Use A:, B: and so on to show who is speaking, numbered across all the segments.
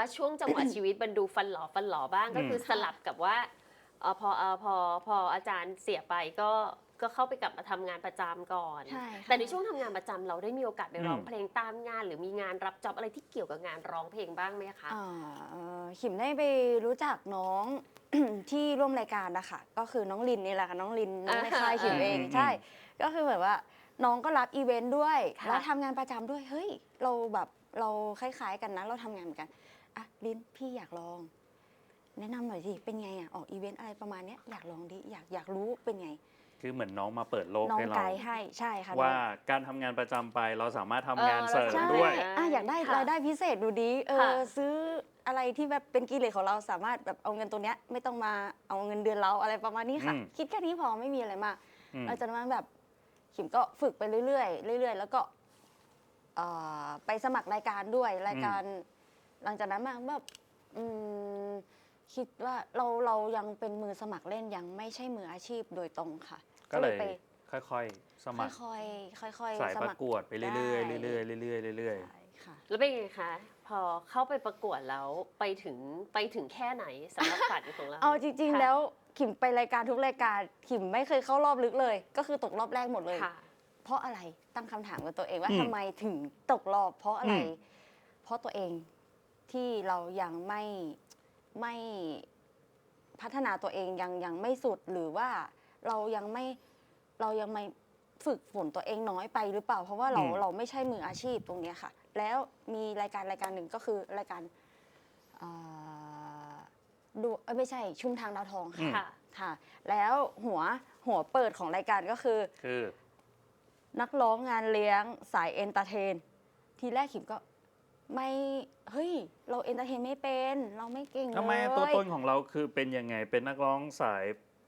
A: ช่วงจังหวะชีวิตมันดูฟันหลอบ้างก็คือสลับกับว่าพออาจารย์เสียไปก็เข้าไปกลับมาทำงานประจำก่อน
B: ใช่
A: แต่
B: ค่ะ
A: ในช่วงทำงานประจำเราได้มีโอกาสไปร้องเพลงตามงานหรือมีงานรับจ็อบอะไรที่เกี่ยวกับงานร้องเพลงบ้างไหมคะ
B: ขิมได้ไปรู้จักน้อง ที่ร่วมรายการนะคะก็คือน้องลินนี่แหละค่ะน้องลินน้องในค่ายขิมเองใช่ก็คือแบบว่าน้องก็รับอีเวนต์ด้วยแล้วทำงานประจำด้วยเฮ้ยเราแบบเราคล้ายๆกันนะเราทำงานเหมือนกันอ่ะลินพี่อยากลองแนะนำหน่อยสิเป็นไงอ่ะออกอีเวนต์อะไรประมาณเนี้ยอยากลองดิอยากรู้เป็นไง
C: คือเหมือนน้องมาเปิดโลก
B: น้อง
C: ให้เรา
B: ไกด์ให้ใช่ค่ะ
C: ว่าการทำงานประจำไปเราสามารถทำงานเสริมด้วย
B: อยากได้รายได้พิเศษดูดีซื้ออะไรที่แบบเป็นกิเลสของเราสามารถแบบเอาเงินตัวเนี้ยไม่ต้องมาเอาเงินเดือนเราอะไรประมาณนี้ค่ะคิดแค่นี้พอไม่มีอะไรมากหลังจากนั้นแบบขิมก็ฝึกไปเรื่อยๆเรื่อยๆแล้วก็ไปสมัครรายการด้วยรายการหลังจากนั้นมาแบบคิดว่าเรายังเป็นมือสมัครเล่นยังไม่ใช่มืออาชีพโดยตรงค่ะ
C: ก็เลยค่อยๆสมัคร
B: ค่อยๆ
C: สายประกวดไปเรื่อยๆเรื่อยๆเรื่อย
B: ๆค่ะ
A: แล้วเป็นไงคะพอเข้าไปประกวดแล้วไปถึงแค่ไหนสำหรับฝันของเรา
B: เอาจริงๆแล้วขิมไปรายการทุกรายการขิมไม่เคยเข้ารอบลึกเลยก็คือตกรอบแรกหมดเลยเพราะอะไรตั้งคำถามกับตัวเองว่าทำไมถึงตกรอบเพราะอะไรเพราะตัวเองที่เรายังไม่พัฒนาตัวเองยังไม่สุดหรือว่าเรายังไม่ฝึกฝนตัวเองน้อยไปหรือเปล่าเพราะว่าเราไม่ใช่มืออาชีพตรงนี้ค่ะแล้วมีรายการหนึ่งก็คือรายการดูไม่ใช่ชุมทางดาวทองค่ะแล้วหัวเปิดของรายการก็คือนักร้องงานเลี้ยงสายเอนเตอร์เทนทีแรกขิมก็ไม่เฮ้ยเราเอนเตอร์เทนไม่เป็นเราไม่เก่งเลย
C: ทำไมตัวตนของเราคือเป็นยังไงเป็นนักร้องสาย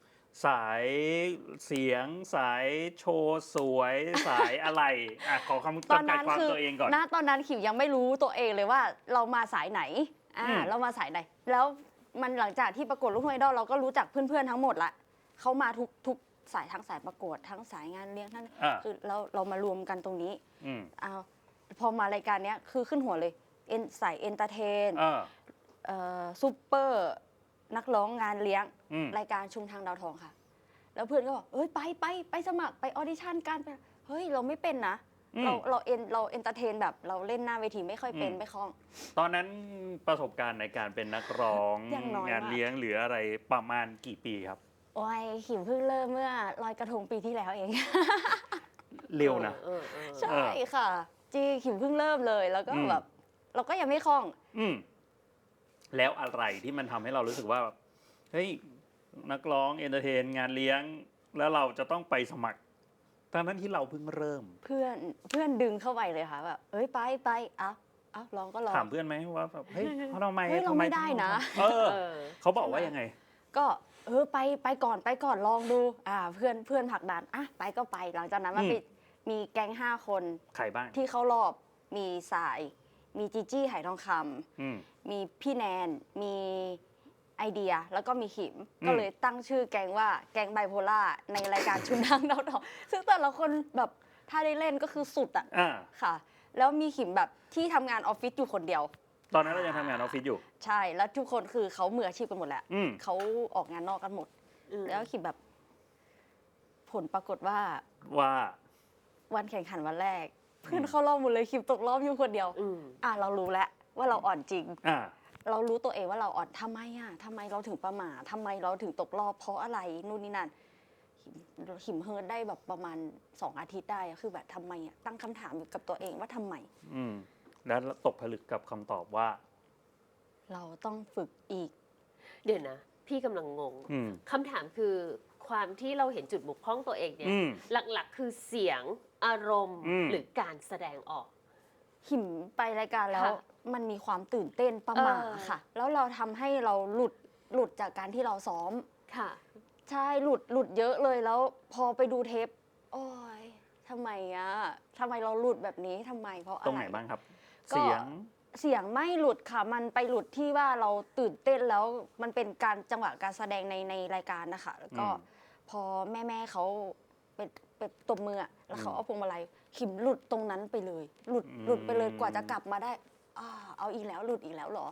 C: เสียงสายโชว์สวยสายอะไรขอคำจำกัดความตัวเองก่อน
B: ณตอนนั้นขิมยังไม่รู้ตัวเองเลยว่าเรามาสายไหนเรามาสายไหนแล้วมันหลังจากที่ประกวดลูกทุ่งไอดอลเราก็รู้จักเพื่อนๆทั้งหมดละเขามาทุกสายทั้งสายประกวดทั้งสายงานเลี้ยงทั้งคือเรามารวมกันตรงนี้พอมารายการนี้คือขึ้นหัวเลยสายเอนเตอร์เทนซูเปอร์นักร้องงานเลี้ยงรายการชุมทางดาวทองค่ะแล้วเพื่อนก็บอกเอ้ยไปสมัครไปออดิชั่นกันไปเฮ้ยเราไม่เป็นนะเราเอนเตอร์เทนแบบเราเล่นหน้าเวทีไม่ค่อยเป็นไม่คล่อง
C: ตอนนั้นประสบการณ์ในการเป็นนักร้องงานเลี้ยงหรืออะไรประมาณกี่ปีครับ
B: โอ้ยขิมเพิ่งเริ่มเมื่อลอยกระทงปีที่แล้วเอง
C: เร็วนะ
B: ใช่ค่ะจีขิมเพิ่งเริ่มเลยแล้วก็แบบเราก็ยังไม่คล่อง
C: แล้วอะไรที่มันทำให้เรารู้สึกว่าแบบเฮ้ยนักร้องเอนเตอร์เทนงานเลี้ยงแล้วเราจะต้องไปสมัครทั้งนั้นที่เราเพิ่งเริ่ม
B: เพื่อนดึงเข้าไปเลยค่ะแบบเอ้ยไปลองก็ลอง
C: ถามเพื่อนไหมว่าแบบเฮ้ยทำไม
B: เราไม่ได้นะ
C: เขาบอกว่ายังไง
B: ก็ไปก่อนลองดูเพื่อนผลักดันไปก็ไปหลังจากนั้นมีแก๊ง5 คน
C: ใครบ้าง
B: ที่เข้ารอบมีสายมีจีจี้ไหทองคำมีพี่แนนมีไอเดียแล้วก็มีขิมก็เลยตั้งชื่อแก๊งว่าแก๊งไบโพล่าในรายการชุมทางดาวทองซึ่งแต่ละคนแบบถ้าได้เล่นก็คือสุดค่ะแล้วมีขิมแบบที่ทำงานออฟฟิศอยู่คนเดียว
C: ตอนนั้นเรายังทำงานออฟฟิศอยู่
B: ใช่แล้วทุกคนคือเขามืออาชีพกันหมดแหละเขาออกงานนอกกันหมดแล้วขิมแบบผลปรากฏว่าวันแข่งขันวันแรกเพื่อนเข้ารอบหมดเลยขิมตกรอบอยู่คนเดียวเรารู้แล้วว่าเราอ่อนจริงเรารู้ตัวเองว่าเราอ่อนทำไมเราถึงประมาททำไมเราถึงตกรอบเพราะอะไรนู่นนี่นั่นขิมเฮิร์ตได้แบบประมาณ2 อาทิตย์ได้คือแบบทำไมตั้งคำถามอยู่กับตัวเองว่าทำไม
C: แล้วตกผลึกกับคำตอบว่า
B: เราต้องฝึกอีก
A: เดี๋ยวนะพี่กำลังงงคำถามคือความที่เราเห็นจุดบกพร่องตัวเองเนี่ยหลักๆคือเสียงอารมณ์หรือการแสดงออก
B: ขิมไปรายการแล้วมันมีความตื่นเต้นประมาค่ะแล้วเราทำให้เราหลุดจากการที่เราซ้อม
A: ค่ะ
B: ใช่หลุดเยอะเลยแล้วพอไปดูเทปโอ้ยทำไมเราหลุดแบบนี้ทำไมเพราะอะไร
C: ตรงไหนบ้างครับเ
B: สียงไม่หลุดค่ะมันไปหลุดที่ว่าเราตื่นเต้นแล้วมันเป็นการจังหวะการแสดงในรายการนะคะแล้วก็พอแม่เขาไปตบมือแล้วเขาเอาพวงมาลัยขิมหลุดตรงนั้นไปเลยหลุดไปเลยกว่าจะกลับมาได้เอาอีกแล้วหลุดอีกแล้วเหรอ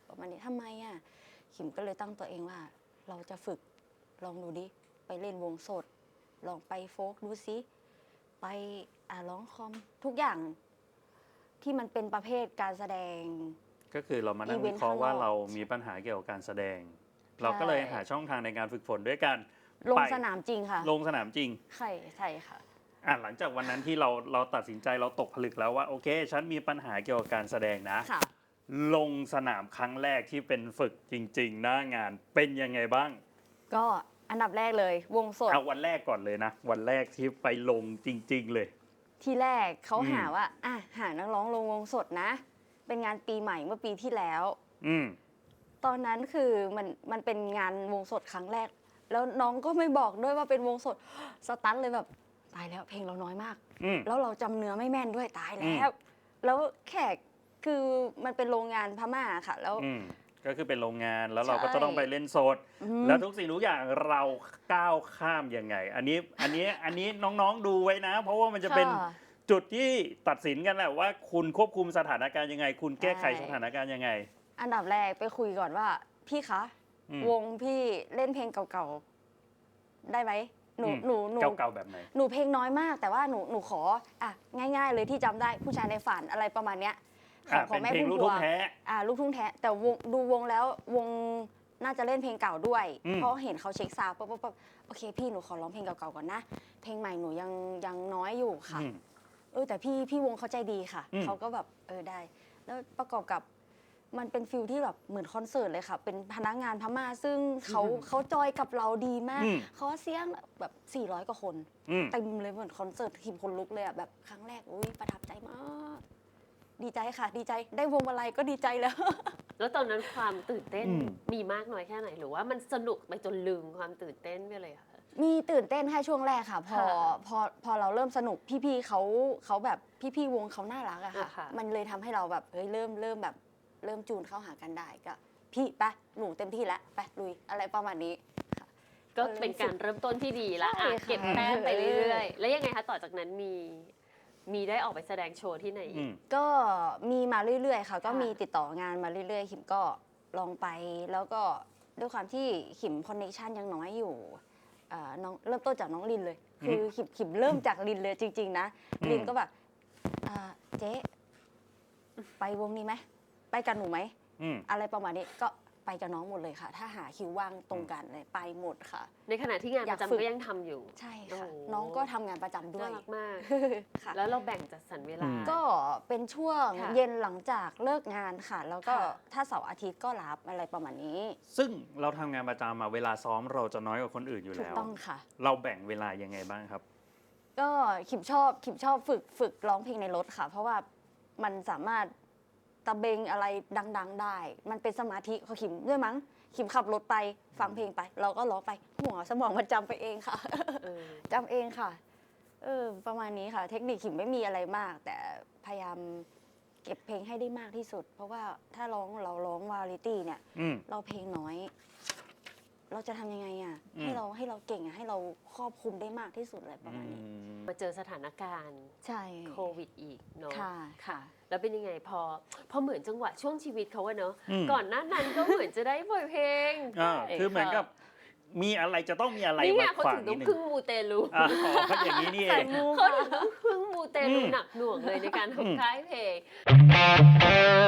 B: ประมาณนี้ทำไมอ่ะขิมก็เลยตั้งตัวเองว่า เราจะฝึกลองดูดิไปเล่นวงสด ลองไปโฟล์กดูซิไปร้องคอมทุกอย่างที่มันเป็นประเภทการแสดง
C: ก็คือเรามานั่งวิเคราะห์ว่าเรามีปัญหาเกี่ยวกับการแสดง เราก็เลยหาช่องทางในการฝึกฝนด้วยกัน
B: ลง
C: ไป
B: สนามจริงค่ะ
C: ลงสนามจริง
B: ใช่ค่ะ
C: หลังจากวันนั้นที่เราตัดสินใจเราตกผลึกแล้วว่าโอเคฉันมีปัญหาเกี่ยวกับการแสดงนะ
B: ค่ะ
C: ลงสนามครั้งแรกที่เป็นฝึกจริง ๆ หน้างานเป็นยังไงบ้าง
B: ก็อันดับแรกเลยวงสด
C: เอาวันแรกก่อนเลยนะ วันแรกที่ไปลงจริง ๆ เลย
B: ที่แรกเขา
C: อืม
B: หาว่าหานักร้องลงวงสดนะ เป็นงานปีใหม่เมื่อปีที่แล้ว
C: อืม
B: ตอนนั้นคือมันเป็นงานวงสดครั้งแรก แล้วน้องก็ไม่บอกด้วยว่าเป็นวงสดสตันเลยแบบตายแล้วเพลงเราน้อยมาก
C: อืม
B: แล้วเราจำเนื้อไม่แม่นด้วยตายแล้ว แล้วแขกคือมันเป็นโรงงานพม่าค่ะ แล้ว
C: ก็คือเป็นโรงงานแล้วเราก็
B: ใช่
C: จะต้องไปเล่นสด แล้วทุกสิ่งทุกอย่างเราก้าวข้ามยังไง อันนี้น้องๆดูไว้นะ เพราะว่ามันจะเป็น
B: ค่ะ
C: จุดที่ตัดสินกันแหละว่าคุณควบคุมสถานการณ์ยังไง คุณแก้ไข
B: ใช่
C: สถานการณ์ยังไง
B: อันดับแรกไปคุยก่อนว่า พี่คะ
C: อืม
B: วงพี่เล่นเพลงเก่าๆได้ไหมหนู
C: เก่าๆแบบไหน
B: หนูเพลงน้อยมาก แต่ว่าหนูของ่ายๆเลยที่จำได้ผู้ชายในฝันอะไรประมาณเนี้ยของ
C: เป็น
B: แม่
C: เพลง
B: พุ่ม
C: ลูก
B: พ
C: ทุ่
B: ว
C: ง
B: ง
C: แท้
B: ลูกทุ่งแท้แต่ดูวงแล้ววงน่าจะเล่นเพลงเก่าด้วย
C: อืม
B: เพราะเห็นเขาเช็คซาวด์ปั๊บโอเคพี่หนูขอร้องเพลงเก่าๆก่อนนะ เพลงใหม่หนูยังน้อยอยู่ค่ะ แต่พี่วงเขาใจดีค่ะ
C: อืม
B: เขาก็แบบได้ แล้วประกอบกับมันเป็นฟิลที่แบบเหมือนคอนเสิร์ตเลยค่ะ เป็นพนักงานพม่าซึ่งเขาจอยกับเราดีมาก เขาเสียงแบบ400กว่าคน เต็มเลยเหมือนคอนเสิร์ตทีมคนลุกเลยอ่ะแบบครั้งแรกอุ้ยประทับใจมาก ดีใจค่ะ ดีใจได้วงอะไรก็ดีใจแล้ว
A: แล้วตอนนั้นความตื่นเต้น
C: อืม
A: มีมากน้อยแค่ไหนหรือว่ามันสนุกไปจนลืมความตื่นเต้นไปเลยค่ะ
B: มีตื่นเต้นแค่ช่วงแรกค่ะ
A: ค่ะ
B: พอเราเริ่มสนุกพี่ๆเขาแบบพี่ๆวงเขาน่ารักอะค่ะ
A: ค่ะ
B: มันเลยทำให้เราแบบเริ่มแบบเริ่มจูนเข้าหากันได้ก็พี่ไปหนูเต็มที่แล้วไปลุยอะไรประมาณนี้ค่ะ
A: ก็เป็นการเริ่มต้นที่ดีละ
B: ใช่ค่ะ
A: เก็บแต้มไปเรื่อยๆ แล้วยังไงคะต่อจากนั้นมีได้ออกไปแสดงโชว์ที่ไหนอีก
B: ก็มีมาเรื่อยๆค่ะ ก็
A: ค่ะ
B: มีติดต่องานมาเรื่อยๆขิมก็ลองไปแล้วก็ด้วยความที่ขิมคอนเนคชันยังน้อยอยู่น้องเริ่มต้นจากน้องลินเลย คือขิมเริ่มจากลินเลยจริง ๆ นะ ลินก็แบบเจ๊ไปวงนี้ไหมไปกับหนูไหม อะไรประมาณนี้ก็ไปกับน้องหมดเลยค่ะ ถ้าหาคิวว่างตรงกันเลยไปหมดค่ะ
A: ในขณะที่งาน
B: อ
A: ป
B: ยาก
A: ระจำ
B: ฝึก
A: ก็ยังทำอยู่
B: ใช่ค่ะ
A: โอ้
B: น้องก็ทำงานประจำด้ว
A: น่าย รักมาก
B: ค่ะ
A: แล้วเราแบ่งจัดสรรเวลา
B: ก็เป็นช่วง
A: ค่ะ
B: เย็นหลังจากเลิกงานค่ะ แล้วก็
A: ค่ะ
B: ถ้าเสาร์อาทิตย์ก็รับอะไรประมาณนี้
C: ซึ่งเราทำงานประจำมาเวลาซ้อมเราจะน้อยกว่าคนอื่นอยู่
B: ถูก
C: แล้ว
B: ต้องค่ะ
C: เราแบ่งเวลายังไงบ้างครับ
B: ก็ขิมชอบฝึกร้องเพลงในรถค่ะ เพราะว่ามันสามารถตะเบงอะไรดัง ๆ ได้ มันเป็นสมาธิของขิมด้วยมั้งขิมขับรถไปฟังเพลงไป เราก็ร้องไปหัวสมองมันจำไปเองค่ะ
A: เออ
B: จำเองค่ะ ประมาณนี้ค่ะ เทคนิคขิมไม่มีอะไรมาก แต่พยายามเก็บเพลงให้ได้มากที่สุด เพราะว่าถ้าเราร้องวาไรตี้เนี่ย เราเพลงน้อย เราจะทำยังไงอ่ะ ให้เราเก่งอ่ะ ให้เราครอบคลุมได้มากที่สุดอะไรประมาณนี้
A: มาเจอสถานการณ์
B: ใช่
A: โควิดอีกเนาะ
B: ค่ะ
A: แล้วเป็นยังไงพอเหมือนจังหวะช่วงชีวิตเขาอะเนาะ
C: อืม
A: ก่อนหน้านั้นก็เหมือนจะได้ปล่อยเพลง
C: คือเหมือนกับมีอะไรจะต้องมีอะไร
A: นี่ไง
C: มา
A: เขา
C: ขวา
A: ถึ
C: ง
A: ง
C: นิ
A: ต้
C: ด
A: อง
C: นึง
A: พึ่งมูเตลู
C: เพราะอย่างนี้นี่เอ
B: ใส่
C: ง
B: มู
A: เขา
B: ค่ะ
A: ถึงต้องพึ่งมูเตลู
C: อืม
A: หนักหน่วงเลยในการ
C: อืม
A: ทำค่ายเพลง